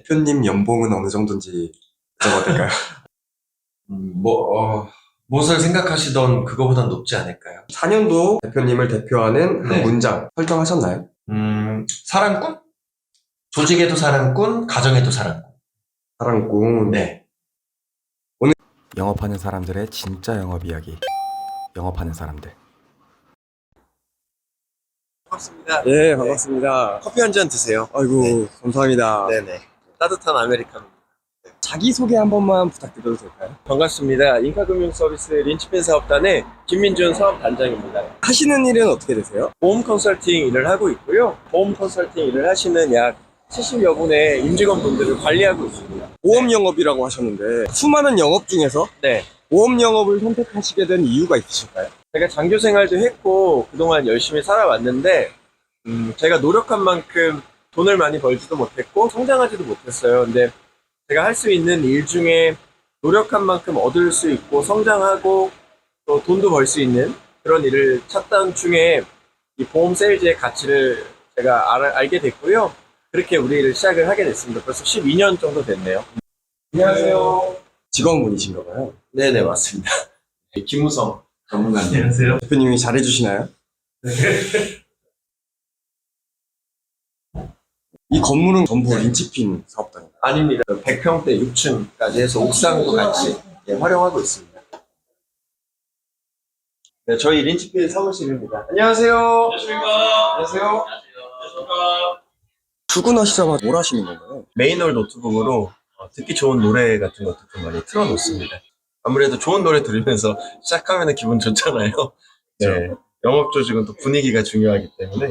대표님 연봉은 어느 정도인지 여쭤봐도 될까요? 무엇을 생각하시던 그거보단 높지 않을까요? 4년도 대표님을 대표하는 한 네. 문장 설정하셨나요? 사랑꾼? 조직에도 사랑꾼, 가정에도 사랑꾼. 사랑꾼. 네. 영업하는 사람들의 진짜 영업 이야기. 영업하는 사람들. 반갑습니다. 예, 반갑습니다. 커피 한 잔 드세요. 아이고, 감사합니다. 네네. 따뜻한 아메리카노. 자기소개 한 번만 부탁드려도 될까요? 반갑습니다. 인카금융서비스 린치핀 사업단의 김민준 사업단장입니다. 하시는 일은 어떻게 되세요? 보험 컨설팅 일을 하고 있고요. 보험 컨설팅 일을 하시는 약 70여 분의 임직원분들을 관리하고 있습니다. 보험 영업이라고 하셨는데 수많은 영업 중에서 네. 보험 영업을 선택하시게 된 이유가 있으실까요? 제가 장교 생활도 했고 그동안 열심히 살아왔는데 제가 노력한 만큼 돈을 많이 벌지도 못했고 성장하지도 못했어요. 근데 제가 할 수 있는 일 중에 노력한 만큼 얻을 수 있고 성장하고 또 돈도 벌 수 있는 그런 일을 찾던 중에 이 보험 세일즈의 가치를 제가 알게 됐고요. 그렇게 우리 일을 시작을 하게 됐습니다. 벌써 12년 정도 됐네요. 안녕하세요. 직원분이신가 봐요. 네네, 맞습니다. 김우성 전문가님. 안녕하세요. 대표님이 잘해주시나요? 이 건물은 전부 린치핀 사업단인가요? 아닙니다. 100평대 6층까지 해서 옥상도 같이 활용하고 있습니다. 네, 저희 린치필 사무실입니다. 안녕하세요. 안녕하십니까. 안녕하세요. 안녕하십니까. 출근하시자마자 뭘 하시는 건가요? 메인홀 노트북으로 듣기 좋은 노래 같은 것도 좀 많이 틀어놓습니다. 아무래도 좋은 노래 들으면서 시작하면 기분 좋잖아요. 네, 영업 조직은 또 분위기가 중요하기 때문에.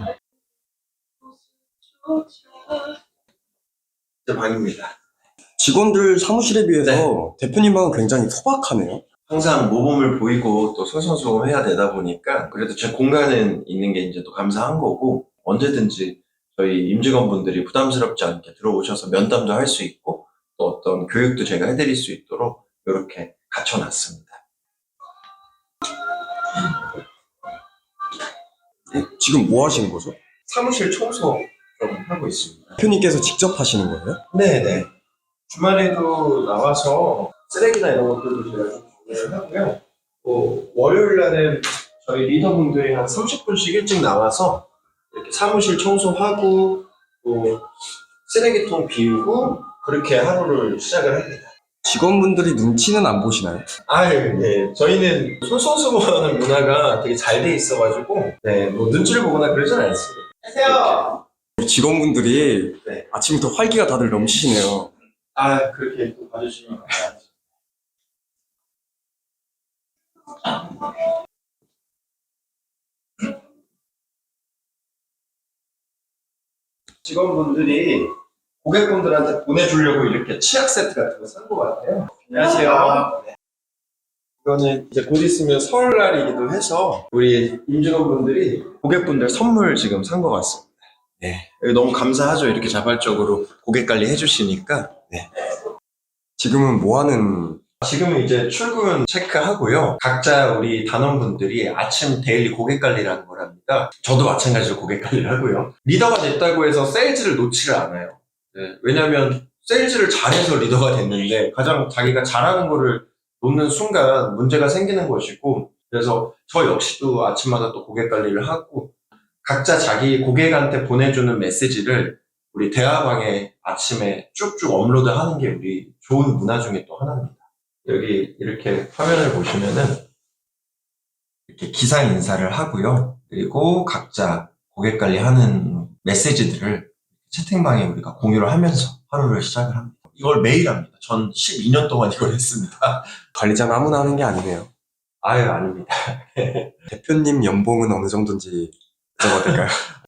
제 방입니다. 직원들 사무실에 비해서 대표님 방은 굉장히 소박하네요. 항상 모범을 보이고 또 솔선수범해야 되다 보니까 그래도 제 공간은 있는 게 이제 또 감사한 거고 언제든지 저희 임직원분들이 부담스럽지 않게 들어오셔서 면담도 할 수 있고 또 어떤 교육도 제가 해드릴 수 있도록 이렇게 갖춰놨습니다. 지금 뭐 하시는 거죠? 사무실 청소 좀 하고 있습니다. 대표님께서 직접 하시는 거예요? 네네. 주말에도 나와서 쓰레기나 이런 것들도 제가 좀 정리를 하고요. 또 월요일 날은 저희 리더분들이 한 30분씩 일찍 나와서 이렇게 사무실 청소하고 또 쓰레기통 비우고 그렇게 하루를 시작을 합니다. 직원분들이 눈치는 안 보시나요? 네. 저희는 솔선수범하는 문화가 되게 잘 돼 있어가지고, 네, 뭐 눈치를 보거나 그러진 않습니다. 안녕하세요. 우리 직원분들이 네. 아침부터 활기가 다들 넘치시네요. 그렇게 또 봐주시면 감사합니다. 직원분들이 고객분들한테 보내주려고 이렇게 치약 세트 같은 거 산 것 같아요. 안녕하세요. 네. 이거는 이제 곧 있으면 설날이기도 해서 우리 임직원분들이 고객분들 선물 지금 산 것 같습니다. 네. 너무 감사하죠. 이렇게 자발적으로 고객 관리 해주시니까. 네. 지금은 뭐 하는 지금은 이제 출근 체크하고요. 각자 우리 단원분들이 아침 데일리 고객 관리라는 걸 합니다. 저도 마찬가지로 고객 관리를 하고요. 리더가 됐다고 해서 세일즈를 놓지를 않아요. 네, 왜냐면 세일즈를 잘해서 리더가 됐는데 가장 자기가 잘하는 거를 놓는 순간 문제가 생기는 것이고 그래서 저 역시도 아침마다 또 고객 관리를 하고 각자 자기 고객한테 보내주는 메시지를 우리 대화방에 아침에 쭉쭉 업로드하는 게 우리 좋은 문화 중에 또 하나입니다. 여기 이렇게 화면을 보시면은 이렇게 기상 인사를 하고요. 그리고 각자 고객 관리하는 메시지들을 채팅방에 우리가 공유를 하면서 하루를 시작을 합니다. 이걸 매일 합니다. 전 12년 동안 이걸 했습니다. 관리자는 아무나 하는 게 아니네요. 아닙니다. 대표님 연봉은 어느 정도인지 여쭤봐도 될까요?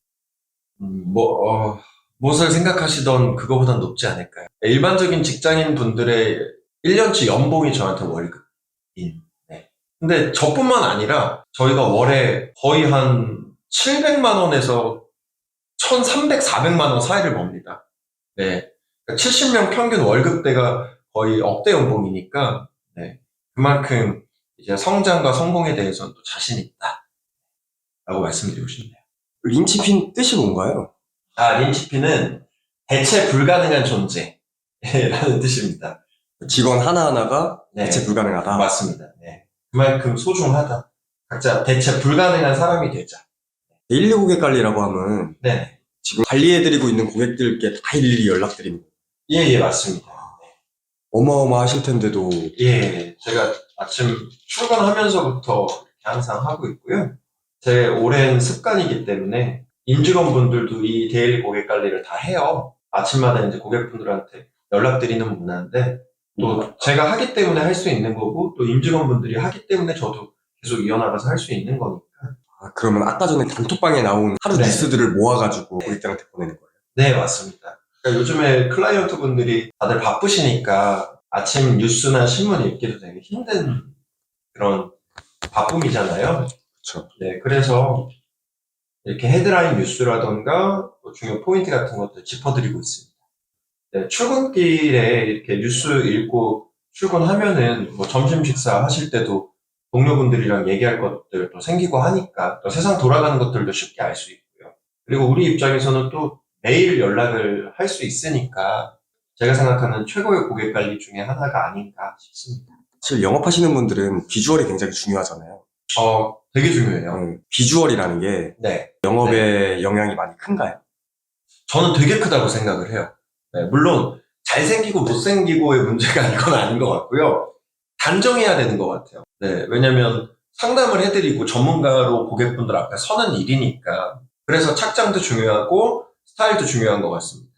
무엇을 생각하시던 그거보단 높지 않을까요? 일반적인 직장인 분들의 1년치 연봉이 저한테 월급인. 네. 근데 저뿐만 아니라 저희가 월에 거의 한 700만 원에서 1,300, 400만 원 사이를 봅니다. 네. 70명 평균 월급대가 거의 억대 연봉이니까, 네. 그만큼 이제 성장과 성공에 대해서는 또 자신 있다. 라고 말씀드리고 싶네요. 린치핀 뜻이 뭔가요? 린치핀은 대체 불가능한 존재. 라는 뜻입니다. 직원 하나하나가 네. 대체 불가능하다. 맞습니다. 네. 그만큼 소중하다. 각자 대체 불가능한 사람이 되자. 데일리 고객 관리라고 하면 네. 지금 관리해드리고 있는 고객들께 다 일일이 연락드리는 거예요. 예, 맞습니다. 어마어마하실 텐데도 예, 제가 아침 출근하면서부터 항상 하고 있고요. 제 오랜 습관이기 때문에 임직원분들도 이 데일리 고객 관리를 다 해요. 아침마다 이제 고객분들한테 연락드리는 문화인데 또 제가 하기 때문에 할 수 있는 거고 또 임직원분들이 하기 때문에 저도 계속 이어나가서 할 수 있는 거니까. 그러면 아까 전에 단톡방에 나온 하루 네. 뉴스들을 모아가지고 고객들한테 보내는 거예요. 네, 맞습니다. 그러니까 요즘에 클라이언트 분들이 다들 바쁘시니까 아침 뉴스나 신문 읽기도 되게 힘든 그런 바쁨이잖아요. 그렇죠. 네, 그래서 이렇게 헤드라인 뉴스라던가 또 중요 포인트 같은 것들 짚어드리고 있습니다. 네, 출근길에 이렇게 뉴스 읽고 출근하면은 뭐 점심 식사 하실 때도 동료분들이랑 얘기할 것들도 생기고 하니까 또 세상 돌아가는 것들도 쉽게 알 수 있고요. 그리고 우리 입장에서는 또 매일 연락을 할 수 있으니까 제가 생각하는 최고의 고객 관리 중에 하나가 아닌가 싶습니다. 사실 영업하시는 분들은 비주얼이 굉장히 중요하잖아요. 되게 중요해요. 비주얼이라는 게 네. 영업에 영향이 많이 큰가요? 저는 되게 크다고 생각을 해요. 네, 물론 잘생기고 못생기고의 문제가 이건 아닌 것 같고요. 단정해야 되는 것 같아요. 네, 왜냐면 상담을 해드리고 전문가로 고객분들 앞에 서는 일이니까. 그래서 착장도 중요하고 스타일도 중요한 것 같습니다.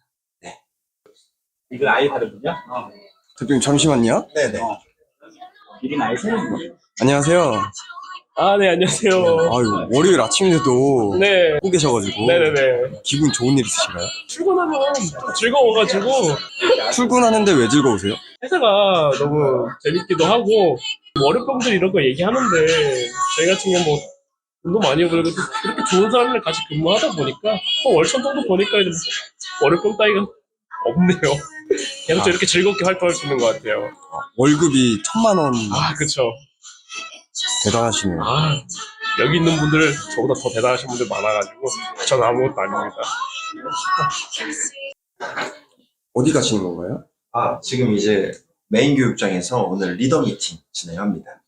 이거 아예 다르군요. 대표님 잠시만요. 네네. 이건 아예 새로운 거예요. 안녕하세요. 아, 네, 안녕하세요. 아유, 월요일 아침인데도 네, 하고 계셔가지고 네네네. 기분 좋은 일 있으신가요? 출근하면 즐거워가지고, 출근하는데 왜 즐거우세요? 회사가 너무 재밌기도 하고, 월요병들 이런 거 얘기하는데, 저희 같은 경우 뭐, 돈도 많이 벌고, 그렇게 좋은 사람들 같이 근무하다 보니까, 월천 정도 보니까 이제 월요병 따위가 없네요. 계속 이렇게 즐겁게 활동할 수 있는 것 같아요. 월급이 1,000만 원 아, 그쵸. 대단하시네요. 아, 여기 있는 분들, 저보다 더 대단하신 분들 많아가지고, 저는 아무것도 아닙니다. 어디 가시는 건가요? 지금 이제 메인 교육장에서 오늘 리더 미팅 진행합니다.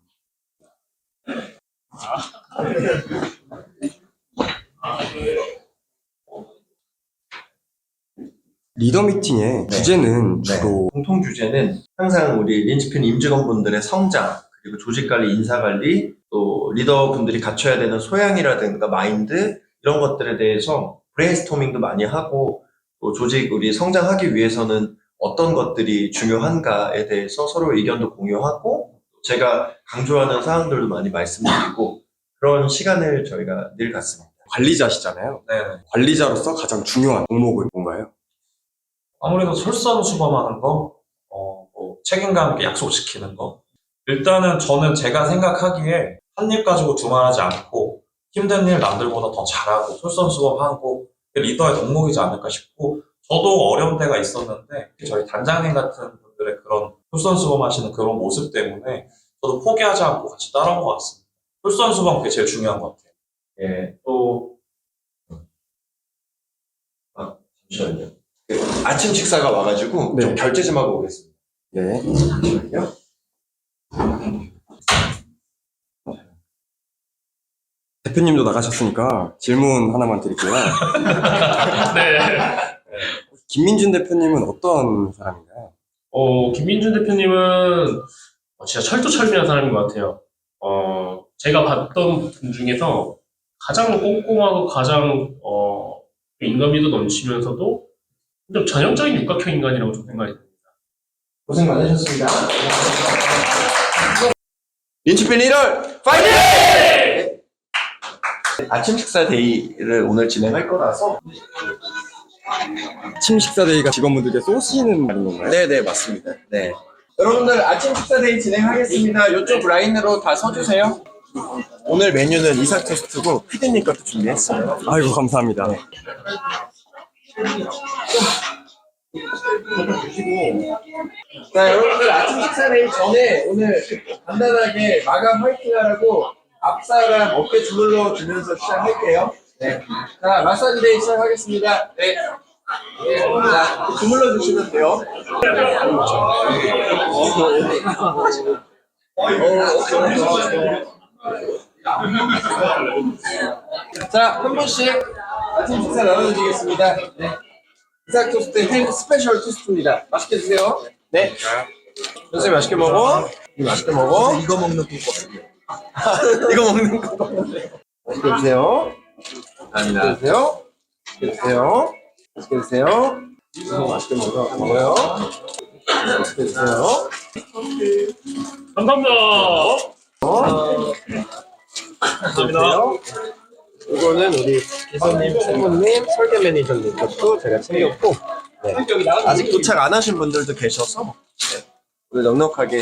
리더 미팅의 네. 주제는 주로 공통 주제는 항상 우리 린치핀 임직원분들의 성장, 그리고 조직관리, 인사관리, 또 리더분들이 갖춰야 되는 소양이라든가 마인드, 이런 것들에 대해서 브레인스토밍도 많이 하고, 또 조직, 우리 성장하기 위해서는 어떤 것들이 중요한가에 대해서 서로 의견도 공유하고, 제가 강조하는 사항들도 많이 말씀드리고, 그런 시간을 저희가 늘 갖습니다. 관리자시잖아요. 네. 관리자로서 가장 중요한 종목은 뭔가요? 아무래도 솔선수범하는 거, 뭐 책임감 있게 약속시키는 거. 일단은 저는 제가 생각하기에 한 일 가지고 두말하지 않고 힘든 일 남들보다 더 잘하고 솔선수범하고 리더의 덕목이지 않을까 싶고, 저도 어려운 때가 있었는데 저희 단장님 같은 분들의 그런 솔선수범하시는 그런 모습 때문에 저도 포기하지 않고 같이 따라온 것 같습니다. 솔선수범 그게 제일 중요한 것 같아요. 예, 또, 잠시만요. 아침 식사가 와가지고 네. 좀 결제 좀 하고 오겠습니다. 네. 잠시만요. 대표님도 나가셨으니까 질문 하나만 드릴게요. 네. 김민준 대표님은 어떤 사람인가요? 김민준 대표님은 진짜 철두철미한 사람인 것 같아요. 제가 봤던 분 중에서 가장 꼼꼼하고 가장 인간미도 넘치면서도 좀 전형적인 육각형 인간이라고 좀 생각이 듭니다. 고생 많으셨습니다. 린치핀 1월 파이팅! 아침 식사 데이를 오늘 진행할 거라서. 아침 식사 데이가 직원분들께 쏘시는 날인 건가요? 네네, 맞습니다. 네. 여러분들 아침 식사 데이 진행하겠습니다. 이쪽 라인으로 다 서주세요. 오늘 메뉴는 이삭 토스트고 피디님 것도 준비했어요. 아이고, 감사합니다. 자, 여러분들 아침 식사 데이 전에 오늘 간단하게 마감 화이팅 하라고 앞사람 어깨 주물러 주면서 시작할게요. 네. 자, 마사지 데이 시작하겠습니다. 네. 자, 주물러 주시면 돼요. 자, 한 분씩 아침 식사 나눠드리겠습니다. 네. 이삭 토스트 햄 스페셜 토스트입니다. 맛있게 드세요. 네. 선생님 맛있게 먹어. 맛있게 먹어. 이거 먹는 거. 이거 먹는 거. 맛있게 드세요. 맛있게 드세요. 맛있게 드세요. 맛있게 드세요. 맛있게 먹어요. 맛있게 드세요. 감사합니다. 감사합니다. 이거는 우리 기사님, 총무님, 설계 매니저님 것도 제가 챙겼고, 네. 아직 도착 안 하신 분들도 계셔서 네. 우리 넉넉하게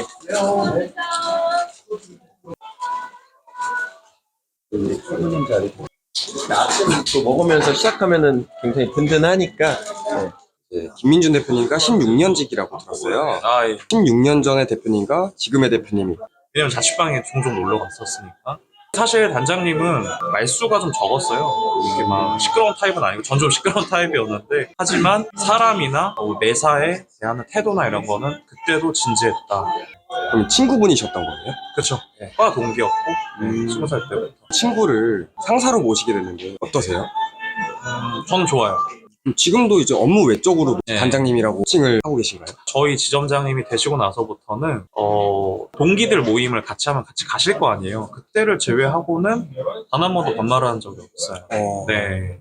우리 총무님 자리. 아침 또 먹으면서 시작하면은 굉장히 든든하니까. 네. 네, 김민준 대표님과 16년직이라고 들었어요. 아, 예. 16년 전의 대표님과 지금의 대표님이. 왜냐면 자취방에 종종 놀러 갔었으니까. 사실 단장님은 말수가 좀 적었어요. 이렇게 막 시끄러운 타입은 아니고 전 좀 시끄러운 타입이었는데 하지만 사람이나 매사에 대하는 태도나 이런 거는 그때도 진지했다. 그럼 친구분이셨던 거예요? 그렇죠. 과 동기였고 20살 때부터. 친구를 상사로 모시게 됐는데 어떠세요? 저는 좋아요. 그럼 지금도 이제 업무 외적으로 네. 단장님이라고 칭을 하고 계신가요? 저희 지점장님이 되시고 나서부터는 동기들 모임을 같이 하면 같이 가실 거 아니에요. 그때를 제외하고는 단 한 번도 반말을 한 적이 없어요. 네.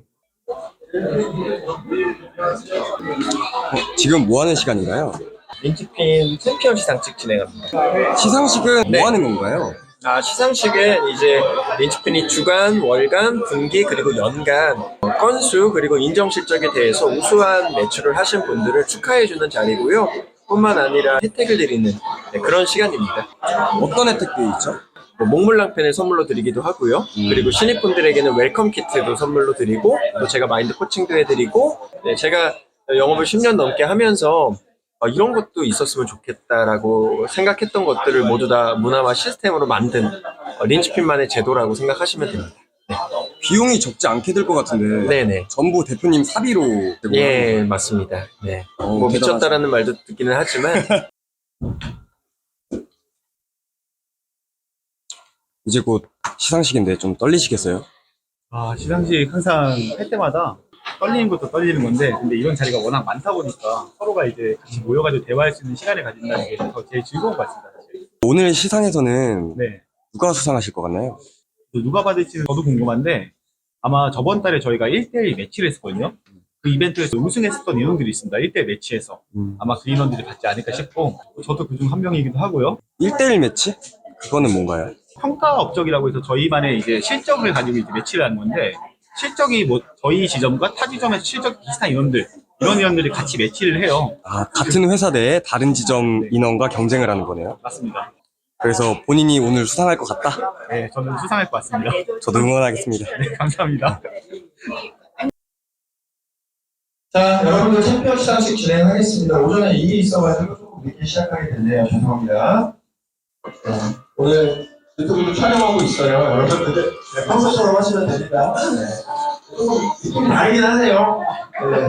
지금 뭐 하는 시간인가요? 린치핀 챔피언 시상식 진행합니다. 시상식은 네. 뭐 하는 건가요? 시상식은 이제 린치핀이 주간, 월간, 분기 그리고 연간 건수 그리고 인정 실적에 대해서 우수한 매출을 하신 분들을 축하해주는 자리고요. 뿐만 아니라 혜택을 드리는 그런 시간입니다. 어떤 혜택들이 있죠? 몽블랑펜을 선물로 드리기도 하고요. 그리고 신입분들에게는 웰컴 키트도 선물로 드리고 또 제가 마인드 코칭도 해드리고 제가 영업을 10년 넘게 하면서 이런 것도 있었으면 좋겠다라고 생각했던 것들을 모두 다 문화와 시스템으로 만든 린치핀만의 제도라고 생각하시면 됩니다. 비용이 적지 않게 들 것 같은데 네네. 전부 대표님 사비로 되고 예, 맞습니다. 네. 뭐 미쳤다라는 말도 듣기는 하지만 이제 곧 시상식인데 좀 떨리시겠어요? 시상식 항상 할 때마다 떨리는 것도 떨리는 건데, 근데 이런 자리가 워낙 많다 보니까 서로가 이제 같이 모여가지고 대화할 수 있는 시간을 가진다는 게 더 제일 즐거운 것 같습니다, 사실. 오늘 시상에서는 네. 누가 수상하실 것 같나요? 누가 받을지는 저도 궁금한데, 아마 저번 달에 저희가 1대1 매치를 했었거든요. 그 이벤트에서 우승했었던 인원들이 있습니다. 1대1 매치에서. 아마 그 인원들이 받지 않을까 싶고, 저도 그중 한 명이기도 하고요. 1대1 매치? 그거는 뭔가요? 평가 업적이라고 해서 저희만의 이제 실적을 가지고 이제 매치를 하는 건데, 실적이 뭐 저희 지점과 타 지점에서 실적이 비슷한 인원들, 이런 인원들이 같이 매치를 해요. 같은 회사 내에 다른 지점 인원과 경쟁을 하는 거네요. 맞습니다. 그래서 본인이 오늘 수상할 것 같다? 네, 저는 수상할 것 같습니다. 저도 응원하겠습니다. 네, 감사합니다. 자, 여러분들 챔피언 시상식 진행하겠습니다. 오전에 일이 있어가지고 조금 늦게 시작하게 됐네요. 죄송합니다. 오늘 유튜브도 촬영하고 있어요. 여러분들 평소처럼 하시면 됩니다. 조금 느낌이 다르긴 하네요. 네.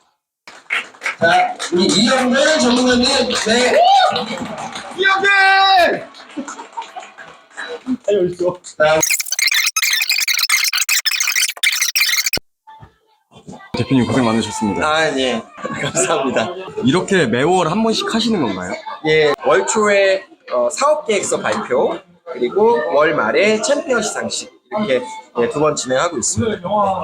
자, 우리 이영배 전문가님, 네. 이영배! 자, 대표님 고생 많으셨습니다. 예. 감사합니다. 이렇게 매월 한 번씩 하시는 건가요? 예, 월 초에 사업 계획서 발표, 그리고 월 말에 챔피언 시상식 이렇게 두 번 진행하고 있습니다.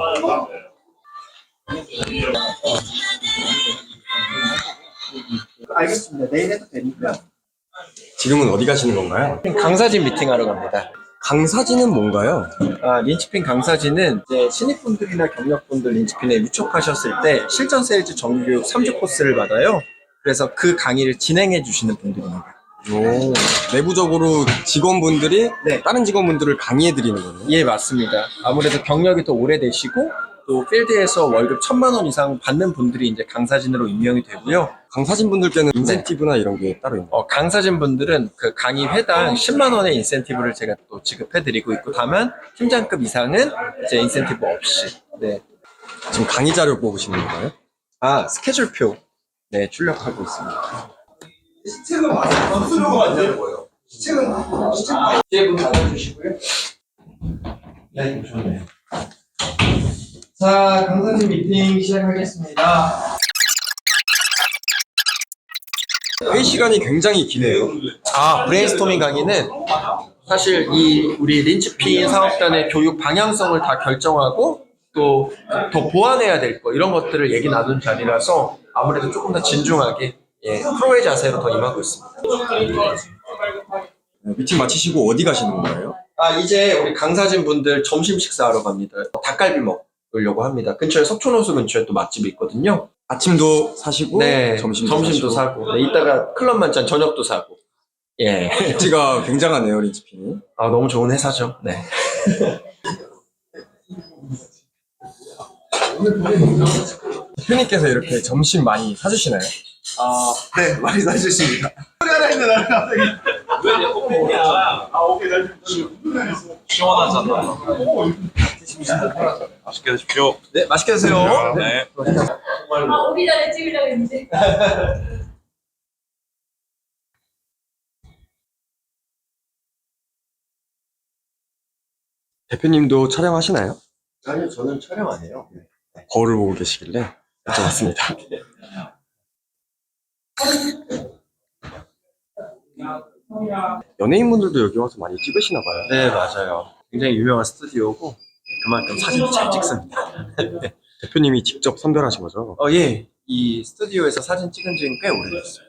알겠습니다. 내일 해도 되니까. 지금은 어디 가시는 건가요? 강사진 미팅하러 갑니다. 강사진은 뭔가요? 린치핀 강사진은 이제 신입분들이나 경력분들 린치핀에 유촉하셨을 때 실전 세일즈 정규교육 3주 코스를 받아요. 그래서 그 강의를 진행해 주시는 분들입니다. 내부적으로 직원분들이 네. 다른 직원분들을 강의해 드리는 거네요. 예, 맞습니다. 아무래도 경력이 더 오래되시고 또 필드에서 월급 1,000만 원 이상 받는 분들이 이제 강사진으로 임명이 되고요. 강사진 분들께는 인센티브나 이런 게 따로 있나요? 강사진 분들은 그 강의 회당 10만 원의 인센티브를 제가 또 지급해드리고 있고, 다만 팀장급 이상은 이제 인센티브 없이. 네. 지금 강의 자료 뽑으시는 건가요? 스케줄표. 네, 출력하고 있습니다. 시책은 많이 수료가 안 되는 거예요. 시책은 시책분 받아주시고요. 네, 이거 좋네요. 자, 강사님 미팅 시작하겠습니다. 회의 시간이 굉장히 기네요. 브레인스토밍 강의는 사실 우리 린치핀 사업단의 교육 방향성을 다 결정하고 또 더 보완해야 될 거 이런 것들을 얘기 나눈 자리라서 아무래도 조금 더 진중하게 프로의 자세로 더 임하고 있습니다. 미팅 마치시고 어디 가시는 건가요? 이제 우리 강사진 분들 점심 식사하러 갑니다. 닭갈비 먹으려고 합니다. 근처에 석촌호수 근처에 또 맛집이 있거든요. 아침도 사시고 네, 점심도 점심도 사고 네, 이따가 클럽 만찬 저녁도 사고. 예. 입지가 굉장하네요, 린치핀이. 너무 좋은 회사죠. 네. 대표님께서 이렇게 점심 많이 사주시나요? 네, 많이 사주십니다. 시원하잖아. 맛있게 드십시오. 네, 맛있게 드세요. 네. 오기 전에 찍으려고 했는데. 대표님도 촬영하시나요? 아니요, 저는 촬영 안 해요. 거울을 보고 계시길래 여쭤봤습니다. 연예인분들도 여기 와서 많이 찍으시나 봐요. 네, 맞아요. 굉장히 유명한 스튜디오고 그만큼 사진도 잘 찍습니다. 대표님이 직접 선별하신 거죠? 예. 이 스튜디오에서 사진 찍은 지는 꽤 오래됐어요.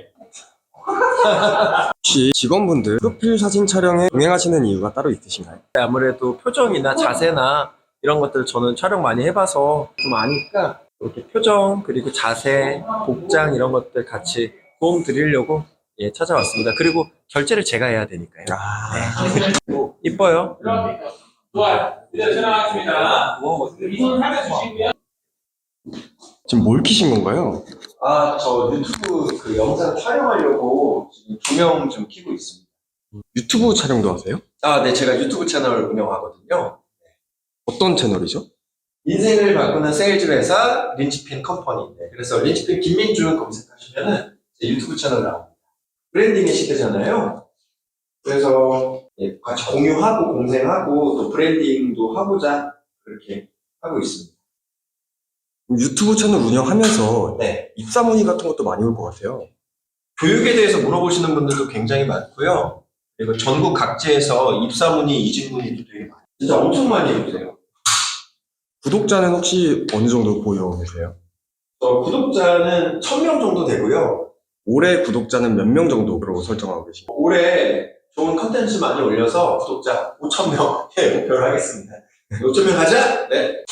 혹시 직원분들 프로필 사진 촬영에 동행하시는 이유가 따로 있으신가요? 아무래도 표정이나 자세나 이런 것들 저는 촬영 많이 해봐서 좀 아니까 이렇게 표정 그리고 자세, 복장 이런 것들 같이 도움 드리려고 찾아왔습니다. 그리고 결제를 제가 해야 되니까요. 네. 이뻐요. 좋아요. 이제 촬영하겠습니다. 이손 하면 주시고요. 지금 뭘 키신 건가요? 저 유튜브 그 영상 촬영하려고 지금 조명 좀 켜고 있습니다. 유튜브 촬영도 하세요? 네, 제가 유튜브 채널 운영하거든요. 어떤 채널이죠? 인생을 바꾸는 세일즈 회사 린치핀 컴퍼니인데 그래서 린치핀 김민준 검색하시면은 제 유튜브 채널 나옵니다. 브랜딩의 시대잖아요. 그래서 같이 공유하고 공생하고 또 브랜딩도 하고자 그렇게 하고 있습니다. 유튜브 채널 운영하면서 네. 입사 문의 같은 것도 많이 올 것 같아요. 교육에 대해서 물어보시는 분들도 굉장히 많고요. 그리고 전국 각지에서 입사 문의, 이직 문의도 되게 많아요. 진짜 엄청 많이 해주세요. 구독자는 혹시 어느 정도 보유하고 계세요? 구독자는 1000명 정도 되고요. 올해 구독자는 몇 명 정도로 설정하고 계신가요? 올해 좋은 컨텐츠 많이 올려서 구독자 5,000명 목표를 하겠습니다. 5,000명 하자! 네.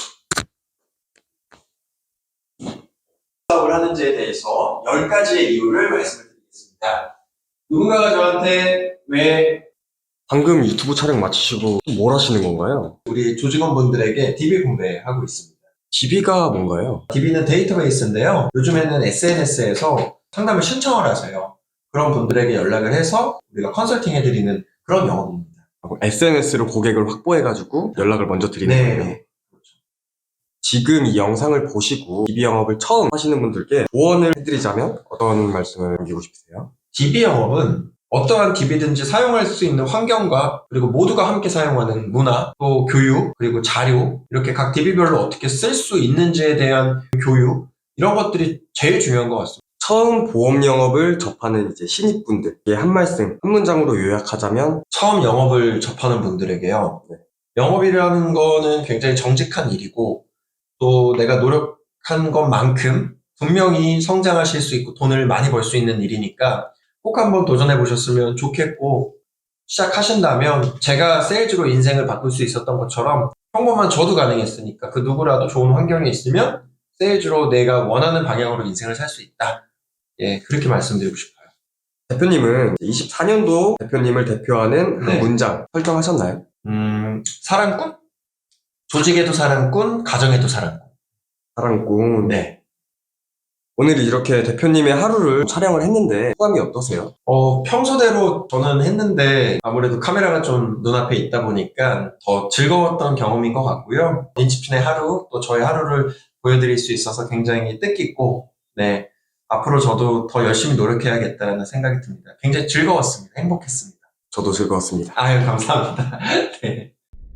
사업을 하는지에 대해서 10가지의 이유를 말씀을 드리겠습니다. 누군가가 저한테 왜 방금 유튜브 촬영 마치시고 뭘 하시는 건가요? 우리 조직원분들에게 DB 공개하고 있습니다. DB가 뭔가요? DB는 데이터베이스인데요. 요즘에는 SNS에서 상담을 신청을 하세요. 그런 분들에게 연락을 해서 우리가 컨설팅 해드리는 그런 영업입니다. SNS로 고객을 확보해가지고 연락을 먼저 드리는 네. 거예요. 지금 이 영상을 보시고 DB 영업을 처음 하시는 분들께 조언을 해드리자면 어떤 말씀을 남기고 싶으세요? DB 영업은 어떠한 DB든지 사용할 수 있는 환경과 그리고 모두가 함께 사용하는 문화, 또 교육, 그리고 자료 이렇게 각 DB별로 어떻게 쓸 수 있는지에 대한 교육 이런 것들이 제일 중요한 것 같습니다. 처음 보험 영업을 접하는 이제 신입분들께 한 말씀, 한 문장으로 요약하자면 처음 영업을 접하는 분들에게요. 영업이라는 거는 굉장히 정직한 일이고 또 내가 노력한 것만큼 분명히 성장하실 수 있고 돈을 많이 벌 수 있는 일이니까 꼭 한번 도전해 보셨으면 좋겠고 시작하신다면 제가 세일즈로 인생을 바꿀 수 있었던 것처럼 평범한 저도 가능했으니까 그 누구라도 좋은 환경에 있으면 세일즈로 내가 원하는 방향으로 인생을 살 수 있다. 그렇게 말씀드리고 싶어요. 대표님은 24년도 대표님을 대표하는 한 네. 문장 설정하셨나요? 사랑꾼? 조직에도 사랑꾼, 가정에도 사랑꾼. 사랑꾼. 네. 오늘 이렇게 대표님의 하루를 촬영을 했는데 소감이 어떠세요? 평소대로 저는 했는데 아무래도 카메라가 좀 눈앞에 있다 보니까 더 즐거웠던 경험인 것 같고요. 린치핀의 하루, 또 저의 하루를 보여드릴 수 있어서 굉장히 뜻깊고, 네. 앞으로 저도 더 열심히 노력해야겠다는 생각이 듭니다. 굉장히 즐거웠습니다. 행복했습니다. 저도 즐거웠습니다. 아유, 감사합니다. 네.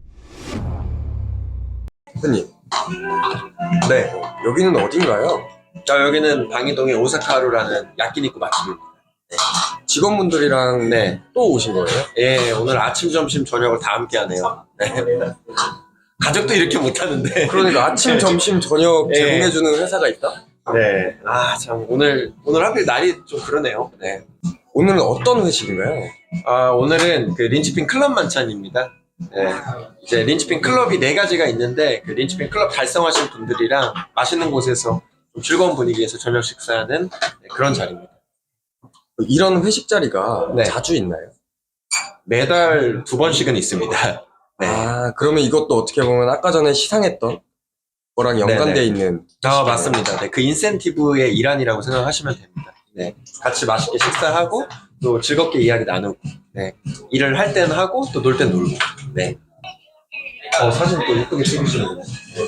대표님, 네. 여기는 어딘가요? 여기는 방이동의 오사카루라는 야끼니쿠 맛집입니다. 직원분들이랑 네. 또 오신 거예요? 예, 오늘 아침, 점심, 저녁을 다 함께 하네요. 네. 가족도 이렇게 못하는데. 그러니까 아침, 점심, 저녁 예. 제공해주는 회사가 있다? 네. 아, 참, 오늘 하필 날이 좀 그러네요. 네. 오늘은 어떤 회식인가요? 오늘은 그 린치핀 클럽 만찬입니다. 네. 이제 린치핀 클럽이 4가지가 있는데, 그 린치핀 클럽 달성하신 분들이랑 맛있는 곳에서 좀 즐거운 분위기에서 저녁 식사하는 그런 자리입니다. 이런 회식 자리가 네. 자주 있나요? 매달 2번씩은 있습니다. 네. 그러면 이것도 어떻게 보면 아까 전에 시상했던 거랑 연관되어 네네. 있는. 맞습니다. 네, 그 인센티브의 일환이라고 생각하시면 됩니다. 네. 같이 맛있게 식사하고, 또 즐겁게 이야기 나누고, 네. 일을 할 때는 하고, 또 놀 땐 놀고, 네. 사진 또 예쁘게 찍으시네요.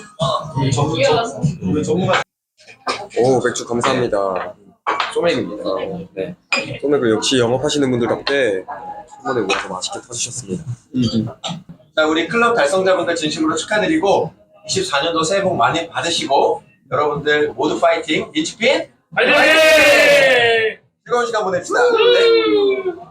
오, 맥주 감사합니다. 소맥입니다. 네. 소맥을 역시 영업하시는 분들답게 한 번에 모아서 맛있게 터주셨습니다. 자, 우리 클럽 달성자분들 진심으로 축하드리고 24년도 새해 복 많이 받으시고 여러분들 모두 파이팅! 린치핀 파이팅! 즐거운 시간 보냅시다. 네.